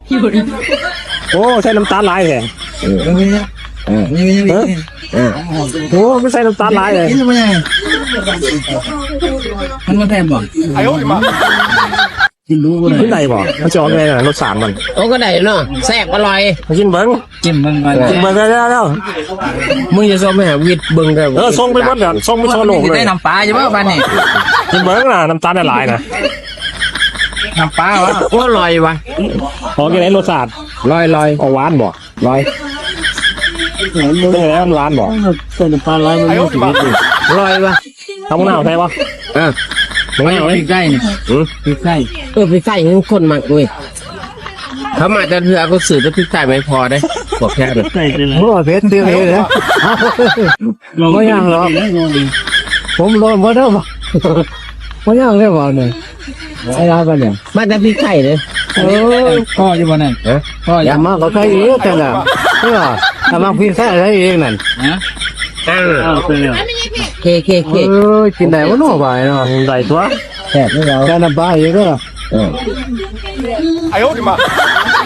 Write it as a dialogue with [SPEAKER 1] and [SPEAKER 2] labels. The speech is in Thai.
[SPEAKER 1] โอ้ใส่น้ำตาลลายแท้โอ้ไม่ใส่น้ำตาลลายเลย
[SPEAKER 2] มันมาแทนบ่กินรู้ก็
[SPEAKER 1] กินได้บ่มันจะออกไงรสชาติมัน
[SPEAKER 3] โอ้ก็ได้เนาะแซ่บอร่อย
[SPEAKER 1] กินเบิ้ง
[SPEAKER 2] กินมันมา
[SPEAKER 1] กินเบิ้งแล้ว
[SPEAKER 3] มึงจะส่งไปหาวิทย์เบิ่งได้บ่
[SPEAKER 1] ส่งไปหมดกันส่งไปทั่วโลกเลย
[SPEAKER 2] ได้น้ำปลาใช่ป่ะบ้านนี่
[SPEAKER 1] กินเบิ้งนะน้ำตาลละลายนะ
[SPEAKER 2] น้ำปลาวะ
[SPEAKER 3] โอ้อร่อยวะ
[SPEAKER 1] ออกยังไงรสชาติ
[SPEAKER 3] ลอย
[SPEAKER 1] ออกหวานบ่
[SPEAKER 3] ลอย
[SPEAKER 1] เป็นยังไงมันหวานบ่
[SPEAKER 2] ใส่น้ำปลาไรมันไม่ถึงนิด
[SPEAKER 3] ลอยวะ
[SPEAKER 1] ทำมะนาวใช่ปะ
[SPEAKER 2] พริกไก่นี่พริกไก่
[SPEAKER 3] พริกไก่ยังคนมากเว้ยเขามาจะเถื่อก็สื่อจะพริกไก่ไม่พอได้บอกแค่เลย
[SPEAKER 2] ไก่เป็นไร
[SPEAKER 4] โอ้เพชรเตี้ยเลยนะไม่ยังหรอกผมโดนมาเท่าไหร่ไม่ยังเลยบ่เนี่ยไอ้ร้านเนี่ย
[SPEAKER 3] มาแต่พริกไก่เลย
[SPEAKER 2] พ่ออยู่บ้านนั่นพ่ออ
[SPEAKER 4] อย่ามาก็ใครเยอะแต่ละใช่ป่ะถ้ามาพิซซ่าใช้เองนั่น
[SPEAKER 2] นะ
[SPEAKER 3] อ้าว
[SPEAKER 2] เป็นแล้ว
[SPEAKER 3] เค
[SPEAKER 4] กินได้ว่าน้อไปเนาะ
[SPEAKER 1] ใส่ตัว
[SPEAKER 4] แค่นี้เราแค่น้ำปลาเยอะก็
[SPEAKER 1] 哎呦我的妈！